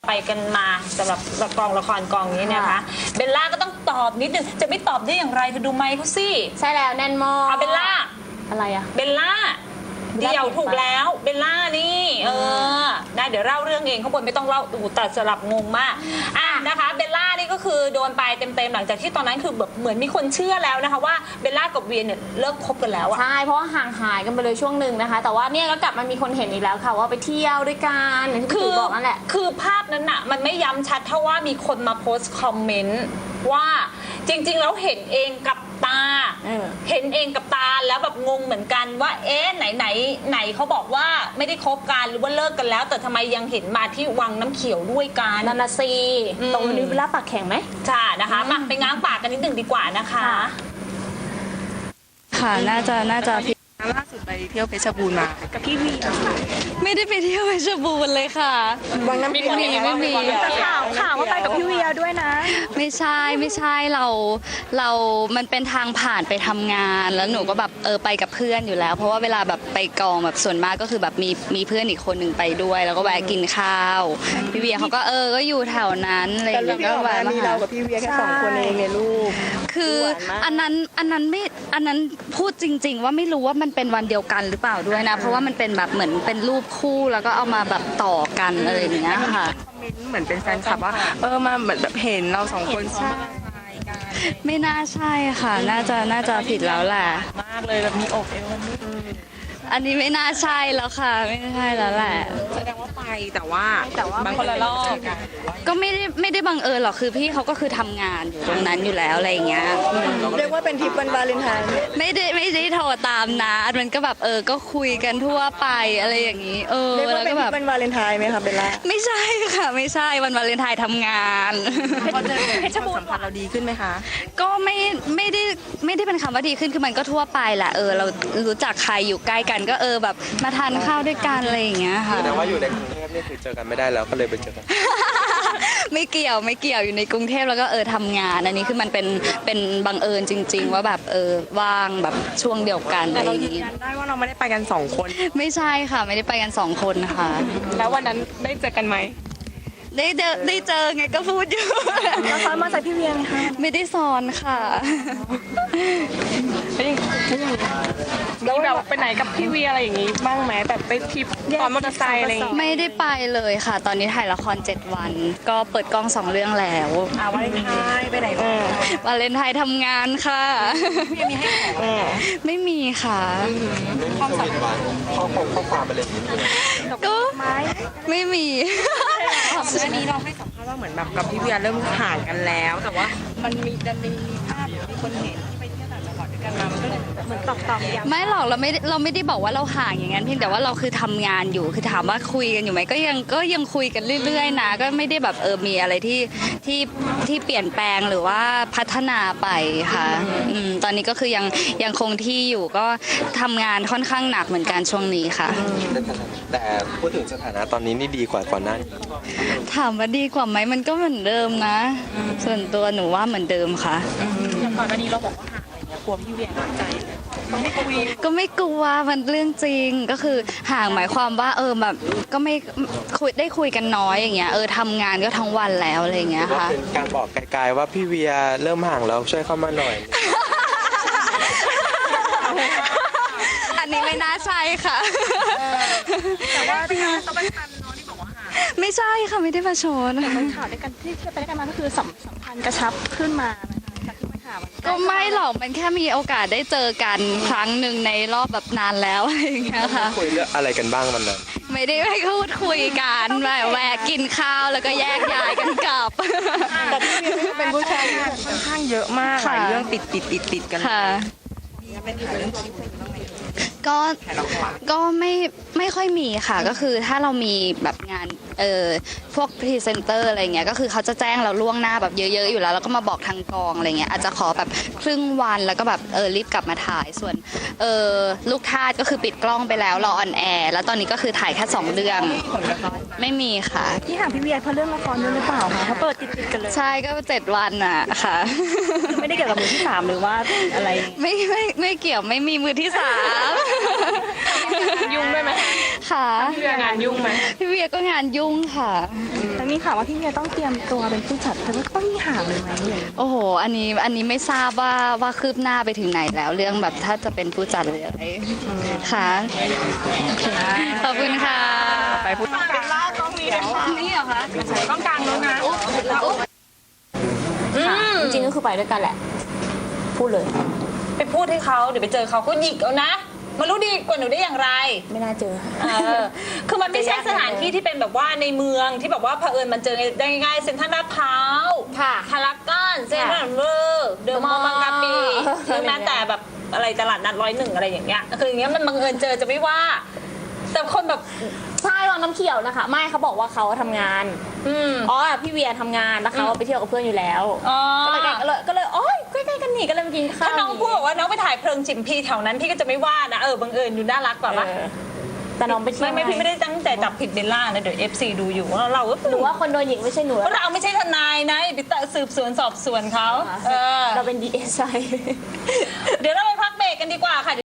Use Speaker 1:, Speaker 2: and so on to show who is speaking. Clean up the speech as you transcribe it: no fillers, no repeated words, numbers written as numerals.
Speaker 1: ไปกันมาสำหรับกองละครกองนี้นะคะเบลล่าก็ต้องตอบนิดนึงจะไม่ตอบได้อย่างไรเธอดูไมค์เขาสิ
Speaker 2: ใช่แล้วแน่นมาก
Speaker 1: เบลล่า
Speaker 2: อะไรอะ
Speaker 1: เบลล่าเดี่ยวถูกแล้วเบลล่านี่ได้เดี๋ยวเล่าเรื่องเองข้างบนไม่ต้องเล่าแต่สลับงงมากนะคะเบลล่านี่ก็คือโดนไปเต็มๆหลังจากที่ตอนนั้นคือแบบเหมือนมีคนเชื่อแล้วนะคะว่าเบลล่ากับเวียเนี่ยเลิกคบกันแล้วอะ
Speaker 2: ใช่เพราะว่าห่างหายกันไปเลยช่วงหนึ่งนะคะแต่ว่าเนี่ยก็กลับมามีคนเห็นอีกแล้วค่ะว่าไปเที่ยวด้วยกันอย่างที่พี่บอกนั่นแหละ
Speaker 1: คือภาพนั้นน่ะมันไม่ย้ำชัดเท่าว่ามีคนมาโพสต์คอมเมนต์ว่าจริงๆแล้วเห็นเองกับตาเห็นเองกับตาแล้วแบบงงเหมือนกันว่าไหนเขาบอกว่าไม่ได้คบกันหรือว่าเลิกกันแล้วแต่ทำไมยังเห็นมาที่วังน้ำเขียวด้วยกัน
Speaker 2: นานาซีตรงนี้เวลาปากแข็งไหม
Speaker 1: ใช่นะคะมาไปง้างปากกันนิดหนึ่งดีกว่านะคะ
Speaker 3: ค่ะน่าจะ
Speaker 4: ล่าสุดไปเที่ยวเพชรบูรณ์มากับพี่วี
Speaker 3: ไม่ได้ไปเที่ยวเพชรบูรณ์เลยค่ะ
Speaker 4: วังน้ำไม่มี
Speaker 2: ข่าวว่าไปกับพี่เวียด้วยนะ
Speaker 3: ไม่ใช่เรามันเป็นทางผ่านไปทำงานแล้วหนูก็แบบไปกับเพื่อนอยู่แล้วเพราะว่าเวลาแบบไปกองแบบส่วนมากก็คือแบบมีเพื่อนอีกคนหนึ่งไปด้วยแล้วก็แวะกินข้าวพี่เวียเขาก็ก็อยู่แถวนั้นอะไรอย่างเงี้ยก็แวะมา
Speaker 4: มีเรากับพี่เวียแค่2 คนเองในรูป
Speaker 3: คืออันนั้นพูดจริงๆว่าไม่รู้ว่ามันเป็นวันเดียวกันหรือเปล่าด้วยนะเพราะว่ามันเป็นแบบเหมือนเป็นรูปคู่แล้วก็เอามาแบบต่อกันอะไรอย่างเงี้ยค่ะ
Speaker 4: คอมเมนต์เหมือนเป็นแฟนคลับว่ามาเหมือนแบบเห็นเรา2 คนใช่
Speaker 3: ไม่น่าใช่ค่ะน่าจะผิดแล้วแหละ
Speaker 4: มากเลยแบบมีอกเอว
Speaker 3: อันนี้ไม่น่าใช่แล้วค่ะไม่ใช่แล้วแหละ
Speaker 4: แสดงว่าไปแต่ว่าบางคนละรอบ
Speaker 3: ก็ไม่ได้บังเอิญหรอกคือพี่เขาก็คือทำงานอยู่ตรงนั้นอยู่แล้วอะไรอย่างเงี้ย
Speaker 4: เรียกว่าเป็นทริปวันวาเลนไทน์
Speaker 3: ไม่ได้โทรตามนะมันก็แบบก็คุยกันทั่วไปอะไรอย่างนี้
Speaker 4: เรียกว่าเป็นทริปวันวาเลนไทน์ไหมคะเบลล่า
Speaker 3: ไม่ใช่ค่ะไม่ใช่วันวาเลนไทน์ทำงาน
Speaker 4: เพชรบูรณ์สัมพันธ์เราดีขึ้นไหมคะ
Speaker 3: ก็ไม่ได้เป็นคำว่าดีขึ้นคือมันก็ทั่วไปแหละเรารู้จักใครอยู่ใกล้กันก็แบบมาทานข้าวด้วยกันอะไรอย่างเงี้ยค่ะ
Speaker 5: แสดงว่าอยู่ในกรุงเทพนี่คือเจอกันไม่ได้แล้วก็เลยไปเจอกัน
Speaker 3: ไม่เกี่ยวอยู่ในกรุงเทพแล้วก็ทำงานอันนี้คือมันเป็นบังเอิญจริงๆว่าแบบว่างแบบช่วงเดียวกันอะไรอย่างงี้
Speaker 4: ได้ว่าเราไม่ได้ไปกัน2 คน
Speaker 3: ไม่ใช่ค่ะไม่ได้ไปกัน2 คนค่ะ
Speaker 4: แล้ววันนั้นได้เจอกันไหม
Speaker 3: ได้เจอไงก็พูดอยู่
Speaker 2: แล้วซ้อนมาจากพี่เวียไหมคะ
Speaker 3: ไม่ได้ซ้อนค่ะ
Speaker 4: แล้วแบบไปไหนกับพี่เวียอะไรอย่างงี้บ้างไหมแบบไปทริปตอนมอเตอร์ไซค์อะไรอย่างงี้
Speaker 3: ไม่ได้ไปเลยค่ะตอนนี้ถ่ายละคร7 วันก็เปิดกล้อง2 เรื่องแล้ว
Speaker 4: วาเลนไทน์ไปไหน
Speaker 3: วาเลนไทน์ทำงานค่ะ
Speaker 4: พี่มีให้
Speaker 3: ไม่มีค่ะ
Speaker 5: ความสัมพันธ์ข้อความอะไรอย่างนี้
Speaker 3: ก็ไม่มี
Speaker 4: อันนี้เราให้สัมภาษณ์ว่าเหมือนแบบกับพี่เวียเริ่มห่างกันแล้วแต่ว่ามันมีภาพมีคนเห็นที่ไปเที่ยวต่างจังหวัดด้วยกันมามันก็เลยเหมือนตอกย้ำ
Speaker 3: ไม่หรอกเราไม่ได้บอกว่าเราห่างอย่างนั้นเพียงแต่ว่าเราคือทำงานอยู่คือถามว่าคุยกันอยู่ไหมก็ยังคุยกันเรื่อยๆนะก็ไม่ได้แบบมีอะไรที่เปลี่ยนแปลงหรือว่าพัฒนาไปค่ะตอนนี้ก็คือยังคงที่อยู่ก็ทำงานค่อนข้างหนักเหมือนกันช่วงนี้ค่ะ
Speaker 5: แต่พูดถึงสถานะตอนนี้นี่ดีกว่าก่อนหน้านี้
Speaker 3: ถามว่าดีกว่าไหมมันก็เหมือนเดิมนะส่วนตัวหนูว่าเหมือนเดิมค่ะ
Speaker 4: อย่างก่อนหน้านี้เราบอกว่าห่างอะไรเงี้ยกลัวพี่เวียน้อยใจ
Speaker 3: ก็ไม่กลัวมันเรื่องจริงก็คือห่างหมายความว่าแบบก็ไม่คุยกันน้อยอย่างเงี้ยทำงานก็ทั้งวันแล้วอะไรเงี้ยค่ะ
Speaker 5: เป็นการบอกไกลๆว่าพี่เวียเริ่มห่างแล้วช่วยเข้ามาหน่อย
Speaker 3: อันนี้ไม่น่าใช่ค่ะ
Speaker 4: แต่ว่าที่เขาไปทันน้องที่บอกว่าห่าง
Speaker 3: ไม่ใช่ค่ะไม่ได้มาชน
Speaker 2: แต่มันข่าวด้วยกันที่ไปด้วยกันมาก็คือสัมพันธ์กระชับขึ้นมา
Speaker 3: ก็ไม่หรอกมันแค่มีโอกาสได้เจอกันครั้งหนึ่งในรอบแบบนานแล้วอะไรอย่างเงี้ยค่ะ
Speaker 5: คุยเรื่องอะไรกันบ้างมันนั้น
Speaker 3: ไม่ได้พูดคุยกันแบบแวะกินข้าวแล้วก็แยกย้ายกันกลับ
Speaker 4: แต่พี่เวียเป็นผู้ชายค่อนข้างเยอะมากหลายเรื่องติดกัน
Speaker 3: ค่ะก็ไม่ค่อยมีค่ะก็คือถ้าเรามีแบบงานพวกพรีเซนเตอร์อะไรเงี้ยก็คือเขาจะแจ้งเราล่วงหน้าแบบเยอะๆอยู่แล้วแล้วก็มาบอกทางกองอะไรเงี้ยอาจจะขอแบบครึ่งวันแล้วก็แบบรีบกลับมาถ่ายส่วนลูกทาสก็คือปิดกล้องไปแล้วรอออนแอร์แล้วตอนนี้ก็คือถ่ายแค่2 เรื่องไม่มีค่ะ
Speaker 2: ที่ห่างพี่เวียเพราะเรื่องละครด้วยหรือเปล่าคะเขาเปิดติดกันเลย
Speaker 3: ใช่ก็7 วันอ่ะค่ะ
Speaker 2: ไม่ได้เกี่ยวกับมือที่3หรือว่าอะไร
Speaker 3: ไม่เกี่ยวไม่มีมือที่3
Speaker 4: ยุ่งด้วยไหม
Speaker 3: ค่ะ
Speaker 4: พี่เวียงานยุ่งไหม
Speaker 3: พี่เวียก็งานยุ่งค่ะ
Speaker 4: แล้วมีข่าวว่าพี่เวียต้องเตรียมตัวเป็นผู้จัดแต่ว่าต้องมีห่างเลยไหม
Speaker 3: โอ้โห อันนี้ไม่ทราบว่าคืบหน้าไปถึงไหนแล้วเรื่องแบบถ้าจะเป็นผู้จัดหรืออะไรค่ะขอบคุณค่ะ
Speaker 4: ไปพูดเป็นล่ากล้องนี้นะคะนี่เหรอคะกล้องกลางแล้วนะ
Speaker 2: จริงๆก็คือไปด้วยกันแหละ พูดเลย
Speaker 1: ไปพูดให้เขาเดี๋ยวไปเจอเขาก็หยิกเอานะมารู้ดีกว่าหนูได้อย่างไร
Speaker 2: ไม่น่าเจอ
Speaker 1: คือมันไม่ใช่สถานที่ที่เป็นแบบว่าในเมืองที่แบบว่าเผอิญมันเจอได้ง่ายๆเซ็นทรัลลาดพร้าว
Speaker 2: ค่ะ
Speaker 1: พารากอนเซ็นทรัลเวอร์เดอะมอลล์บางกะปิหรือแม้แต่แบบอะไรตลาดนัด101อะไรอย่างเงี้ยคืออย่างเงี้ยมันบังเอิญเจอจะไม่ว่า แต่คนแบบ
Speaker 2: ใช่วังน้ำเขียวนะคะ ไม่เขาบอกว่าเขาทำงาน อ๋อพี่เวียทำงานแล้วเขาไปเที่ยวกับเพื่อนอยู่แล้ว
Speaker 1: อ๋อ
Speaker 2: ก็เลยโอ๊ยใกล้ๆกันนี่ก็เลยมากินข้าว
Speaker 1: ถ้าน้องพูดบอกว่าน้องไปถ่ายเพลิงจิมพีแถวนั้นพี่ก็จะไม่ว่านะบังเอิญอยู่น่ารักกว่าปะ
Speaker 2: แต่น้องไปเที่ยว
Speaker 1: ไม่พี่ไม่ได้ตั้งใจจับผิดเบลล่านะเดี๋ยว FC ดูอยู่ว่าเราก็
Speaker 2: หนูว่าคนโดนหญิงไม่ใช่หนู
Speaker 1: เพราะเราไม่ใช่ทนายนะไปสืบสวนสอบสวนเขา
Speaker 2: เราเป็น DSI
Speaker 1: เดี๋ยวเราไปพักเบรกกันดีกว่าค่ะ